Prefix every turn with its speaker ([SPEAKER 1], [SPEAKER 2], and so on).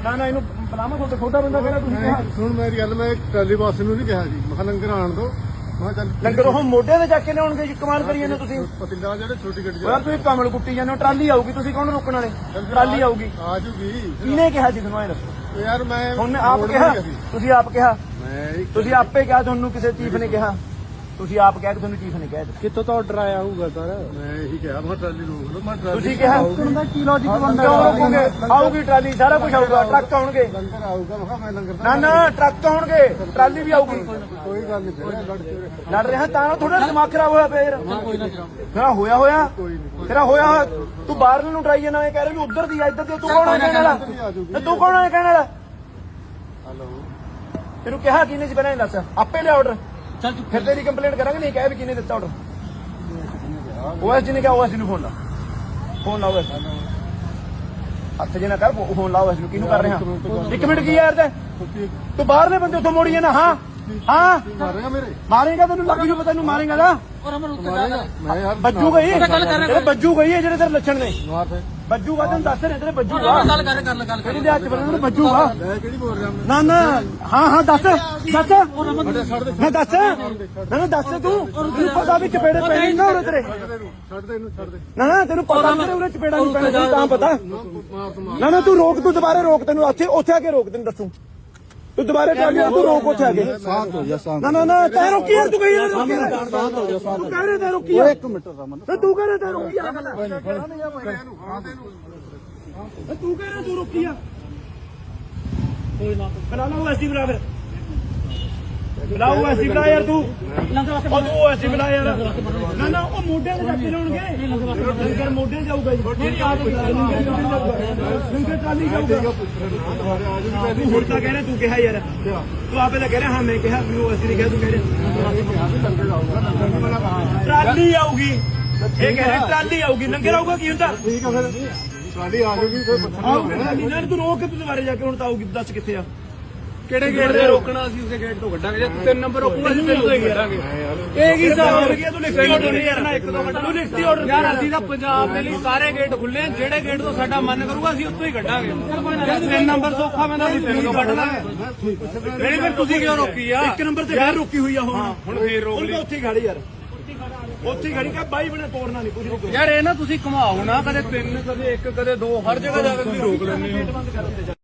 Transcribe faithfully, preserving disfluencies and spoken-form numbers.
[SPEAKER 1] ਨਾ ਨਾ ਇਹਨੂੰ ਬਲਾਮਾ ਤੁਹਾਡਾ ਛੋਟਾ ਬੰਦਾ ਕਿਹੜਾ ਤੁਸੀਂ ਕਿਹਾ
[SPEAKER 2] ਸੁਣ ਮੇਰੀ ਗੱਲ, ਮੈਂ ਟਰਾਲੀ ਬਾਸ ਨੂੰ ਨਹੀਂ ਕਿਹਾ ਜੀ, ਮੈਂ ਕਿਹਾ ਲੰਗਰ ਆਣ ਦੋ। ਮੈਂ ਚੱਲ
[SPEAKER 1] ਲੰਗਰ ਉਹ ਮੋਢੇ ਤੇ ਚੱਕ ਕੇ ਲਿਆਉਣਗੇ ਜੀ, ਕਮਾਲ ਕਰੀ ਜਾਂਦੇ ਤੁਸੀਂ।
[SPEAKER 2] ਪਤਿੰਦਾ ਜਿਹੜੇ ਛੋਟੀ ਗੱਡੀ
[SPEAKER 1] ਯਾਰ ਤੁਸੀਂ ਕਮਲ ਕੁੱਟੀ ਜਾਂਦੇ ਹੋ, ਟਰਾਲੀ ਆਊਗੀ, ਤੁਸੀਂ ਕੌਣ ਰੋਕਣ ਵਾਲੇ? ਟਰਾਲੀ ਆਊਗੀ।
[SPEAKER 2] ਆ ਜੂਗੀ।
[SPEAKER 1] ਕਿਹਨੇ ਕਿਹਾ ਜੀ ਤੁਹਾਨੂੰ ਇਹ ਦੱਸੋ?
[SPEAKER 2] ਯਾਰ ਮੈਂ
[SPEAKER 1] ਉਹਨੇ ਆਪ ਕਿਹਾ, ਤੁਸੀਂ ਆਪ ਕਿਹਾ,
[SPEAKER 2] ਮੈਂ
[SPEAKER 1] ਤੁਸੀਂ ਆਪੇ ਕਿਹਾ, ਤੁਹਾਨੂੰ ਕਿਸੇ ਚੀਫ ਨੇ ਕਿਹਾ, ਤੁਸੀਂ ਆਪ ਕਿਹਾ ਕਿ ਤੁਹਾਨੂੰ ਚੀਫ ਨੇ ਕਿਹਾ।
[SPEAKER 3] ਕਿੱਥੋਂ ਤੋਂ ਆਰਡਰ ਆਇਆ ਹੋਊਗਾ ਸਰ?
[SPEAKER 2] ਮੈਂ ਇਹੀ ਕਿਹਾ, ਮੈਂ ਟਰਾਲੀ ਰੋਕ ਲਓ। ਮੈਂ ਟਰਾਲੀ
[SPEAKER 1] ਤੁਸੀਂ ਕਿਹਾ ਕੀ ਲੌਜੀਕ ਬਣਦਾ? ਕਿਉਂ ਰੋਕੋਗੇ? ਆਊਗੀ ਟਰਾਲੀ, ਸਾਰਾ ਕੁਝ ਆਊਗਾ, ਟਰੱਕ ਆਉਣਗੇ।
[SPEAKER 2] ਲੰਗਰ ਆਊਗਾ, ਮੈਂ ਕਿਹਾ ਮੈਂ ਲੰਗਰ
[SPEAKER 1] ਨਾ ਨਾ ਟਰੱਕ ਆਉਣਗੇ, ਟਰਾਲੀ ਵੀ ਆਊਗੀ।
[SPEAKER 2] ਕੋਈ ਗੱਲ ਨਹੀਂ ਫਿਰ ਲੜ ਕੇ
[SPEAKER 1] ਲੜ ਰਿਹਾ ਤਾਂ ਥੋੜਾ ਦਿਮਾਗ ਖਰਾਬ ਹੋਇਆ ਪਿਆ ਯਾਰ। ਮੇਰਾ ਹੋਇਆ ਹੋਇਆ ਤੇਰਾ ਹੋਇਆ ਹੋਇਆ। ਤੂੰ ਬਾਹਰ ਨੂੰ ਟਰਾਈ ਜਾਣਾ, ਇਹ ਕਹਿ ਰਿਹਾ ਵੀ ਉਧਰ ਦੀ ਆ ਇੱਧਰ ਦੀ। ਤੂੰ ਕੌਣ ਹੈ ਕਹਿਣ ਵਾਲਾ? ਤੂੰ ਕੌਣ ਹੈ ਕਹਿਣ ਵਾਲਾ?
[SPEAKER 2] ਹਲੋ
[SPEAKER 1] ਤੈਨੂੰ ਕਿਹਾ ਕਿਹਨੇ ਸੀ ਪਹਿਲਾਂ ਇਹ ਦੱਸ? ਆਪੇ ਲਿਆ ਆਰਡਰ, ਫਿਰ ਤੇਰੀ ਕੰਪਲੇਂਟ ਕਰਾਂਗੇ। ਨਹੀਂ ਕਹਿ ਵੀ ਕਿਹਨੇ ਦਿੱਤਾ ਆਰਡਰ? ਓਐਸ ਜੀ ਨੇ ਕਿਹਾ, ਓਐਸ ਜੀ ਨੂੰ ਫੋਨ ਲਾ, ਫੋਨ ਲਾ ਓਐਸ। ਹੱਥ ਜੇ ਨਾ ਕਰ, ਫੋਨ ਲਾ ਓਐਸ ਨੂੰ। ਕਿਹਨੂੰ ਕਰ ਰਿਹਾ? ਇੱਕ ਮਿੰਟ ਕੀ ਯਾਰ, ਤੂੰ ਬਾਹਰਲੇ ਬੰਦੇ ਉੱਥੋਂ ਮੋੜੀ ਜਾਣਾ। ਹਾਂ ਹਾਂ
[SPEAKER 2] ਮਾਰੇਗਾ ਮੇਰੇ,
[SPEAKER 1] ਮਾਰੇਗਾ, ਤੈਨੂੰ ਲੱਗ ਜੂ ਪਤਾ, ਤੈਨੂੰ ਮਾਰੇਗਾ ਨਾ।
[SPEAKER 2] ਮਾਰੇਗਾ ਮੈਂ ਯਾਰ
[SPEAKER 1] ਬੱਜੂ ਗਈ, ਤੇਰੇ ਬੱਜੂ ਗਈ ਹੈ ਜਿਹੜੇ ਤੇਰੇ ਲੱਛਣ ਨੇ।
[SPEAKER 2] ਮਾਰ ਫੇ
[SPEAKER 1] ਬੱਜੂਗਾ, ਤੈਨੂੰ ਦੱਸ ਰਹੇ ਤੇਰੇ ਬੱਜੂਗਾ।
[SPEAKER 4] ਗੱਲ ਕਰ ਕਰ ਗੱਲ
[SPEAKER 1] ਇਹਦੇ ਹੱਥ ਬੰਨਣ ਨੂੰ ਬੱਜੂਗਾ।
[SPEAKER 2] ਮੈਂ ਕਿਹੜੀ ਬੋਲ ਰਿਹਾ ਮੈਂ?
[SPEAKER 1] ਨਾ ਨਾ ਹਾਂ ਹਾਂ ਦੱਸ ਦੱਸ
[SPEAKER 2] ਛੱਡ ਦੇ
[SPEAKER 1] ਨਾ ਦੱਸ ਨਾ ਨਾ ਦੱਸ ਤੂੰ। ਤੈਨੂੰ ਪਤਾ ਵੀ ਚਪੇੜੇ ਪੈਣੇ ਨਾ ਉਰੇ ਤੇਰੇ।
[SPEAKER 2] ਛੱਡ ਦੇ ਇਹਨੂੰ, ਛੱਡ ਦੇ।
[SPEAKER 1] ਨਾ ਨਾ ਤੈਨੂੰ ਪਤਾ ਮੇਰੇ ਉਰੇ ਚਪੇੜਾ ਨਹੀਂ ਪੈਣਾ, ਤੈਨੂੰ ਤਾਂ ਪਤਾ।
[SPEAKER 2] ਮਾਰ ਤੂੰ ਮਾਰ।
[SPEAKER 1] ਨਾ ਨਾ ਤੂੰ ਰੋਕ, ਤੂੰ ਦੁਬਾਰੇ ਰੋਕ, ਤੈਨੂੰ ਉੱਥੇ ਉੱਥੇ ਆ ਕੇ ਰੋਕ, ਤੈਨੂੰ ਦੱਸੂ। ਤੂੰ ਦੁਬਾਰੇ ਚੱਲ ਜਾ, ਤੂੰ ਰੋਕ ਉੱਥੇ ਆ ਕੇ।
[SPEAKER 2] ਸਾਥ ਹੋ ਜਾ, ਸਾਥ।
[SPEAKER 1] ਨਾ ਨਾ ਨਾ ਤੈਨੂੰ ਰੋਕੀ ਯਾਰ, ਤੂੰ ਕਹੀ ਯਾਰ ਰੋਕੀ ਯਾਰ।
[SPEAKER 2] ਸਾਥ ਹੋ ਜਾ, ਸਾਥ।
[SPEAKER 1] ਤੂੰ ਕਹਿ ਰਿਹਾ ਤੈਨੂੰ ਰੋਕੀ ਯਾਰ।
[SPEAKER 2] ਇੱਕ ਮਿੰਟ ਰਮਨ,
[SPEAKER 1] ਤੇ ਤੂੰ ਕਹਿ ਰਿਹਾ ਤੈਨੂੰ ਰੋਕੀ ਯਾਰ।
[SPEAKER 2] ਇਹਨੂੰ ਹਾਂ ਦੇ ਇਹਨੂੰ।
[SPEAKER 1] ਤੂੰ ਕਹਿ ਰਿਹਾ ਤੂੰ ਰੋਕੀ ਆ। ਕੋਈ ਨਾ ਬਣਾ ਲਾ ਐਸੀ ਬਣਾ, ਫਿਰ ਬੁਲਾਓ ਐਸੀ ਬਣਾ ਯਾਰ। ਤੂੰ ਉਹ ਤੂੰ ਐਸੀ ਬਣਾ ਯਾਰ। ਨਾ ਨਾ ਉਹ ਮੋਢੇ ਤੇ ਚੱਕ ਕੇ ਲਾਉਣਗੇ ਲੰਗਰ, ਮੋਢੇ ਤੇ ਜਾਊਗਾ ਜੀ। ਲੰਗਰ ਟਰਾਲੀ ਜਾਊਗਾ। ਤੂੰ ਹੁਣ ਤਾਂ ਕਹਿ ਰਿਹਾ, ਤੂੰ ਕਿਹਾ ਯਾਰ, ਤੂੰ ਆਪੇ ਤਾਂ ਕਹਿ ਰਿਹਾ। ਹਾਂ ਮੈਂ ਕਿਹਾ ਵੀ ਉਹ ਅਸੀਂ ਨਹੀਂ ਕਿਹਾ, ਤੂੰ ਕਹਿ ਰਿਹਾ ਟਰਾਲੀ ਆਊਗੀ। ਇਹ ਕਹਿ ਰਿਹਾ ਟਰਾਲੀ ਆਊਗੀ, ਲੰਗਰ ਆਊਗਾ। ਕੀ ਹੁੰਦਾ?
[SPEAKER 2] ਠੀਕ ਆ ਫਿਰ ਟਰਾਲੀ ਆ ਜੂਗੀ, ਫਿਰ
[SPEAKER 1] ਆਊਗੀ ਟਰਾਲੀ ਨਾ। ਤੂੰ ਰੋਕ ਕੇ ਤੂੰ ਦੁਬਾਰੇ ਜਾ ਕੇ ਹੁਣ ਤਾਂ ਆਊਗੀ। ਦੱਸ ਕਿੱਥੇ ਆ?
[SPEAKER 3] ਕਿਹੜੇ ਗੇਟ ਤੇ ਰੋਕਣਾ? ਅਸੀਂ ਉਸੇ ਗੇਟ ਤੋਂ ਕੱਢਾਂਗੇ। ਜੇ ਤਿੰਨ ਨੰਬਰ ਰੋਕੂਗਾ ਅਸੀਂ ਤਿੰਨ ਤੋਂ ਹੀ ਕੱਢਾਂਗੇ।
[SPEAKER 1] ਇਹ ਕੀ ਹਿਸਾਬ ਹੋ ਗਿਆ? ਤੂੰ ਲਿਖਤੀ ਆਰਡਰ ਨਹੀਂ ਕਰਨਾ, ਇੱਕ ਦੋ ਮਿੰਟ ਤੂੰ ਲਿਖਤੀ ਆਰਡਰ
[SPEAKER 3] ਯਾਰ ਅਸੀਂ ਤਾਂ ਪੰਜਾਬ ਦੇ ਲਈ ਸਾਰੇ ਗੇਟ ਖੁੱਲੇ ਆ। ਜਿਹੜੇ ਗੇਟ ਤੋਂ ਸਾਡਾ ਮਨ ਕਰੂਗਾ ਅਸੀਂ ਉੱਥੋਂ ਹੀ ਕੱਢਾਂਗੇ। ਜੇ ਤਿੰਨ ਨੰਬਰ ਸੌਖਾ ਪੈਂਦਾ ਅਸੀਂ ਤਿੰਨ ਤੋਂ ਕੱਢ ਦਾਂਗੇ। ਨਹੀਂ ਫਿਰ ਤੁਸੀਂ ਕਿਉਂ ਰੋਕੀ ਆ?
[SPEAKER 1] ਇੱਕ ਨੰਬਰ ਤੇ ਫੇਰ ਰੋਕੀ ਹੋਈ ਆ। ਹੁਣ
[SPEAKER 3] ਹੁਣ ਫੇਰ ਰੋਕ ਲਈ।
[SPEAKER 1] ਉੱਥੇ ਖੜੀ ਯਾਰ, ਉੱਥੇ ਖੜੀ ਕਾ ਬਾਈ ਬਣੇ ਤੋੜਨਾ ਨਹੀਂ ਕੁਝ।
[SPEAKER 3] ਯਾਰ ਇਹ ਨਾ ਤੁਸੀਂ ਘੁਮਾਓ ਨਾ, ਕਦੇ ਤਿੰਨ ਕਦੇ ਇੱਕ ਕਦੇ ਦੋ, ਹਰ ਜਗ੍ਹਾ ਜਾ ਕੇ ਤੁਸੀਂ ਰੋਕ ਲੈਂਦੇ ਹੋ।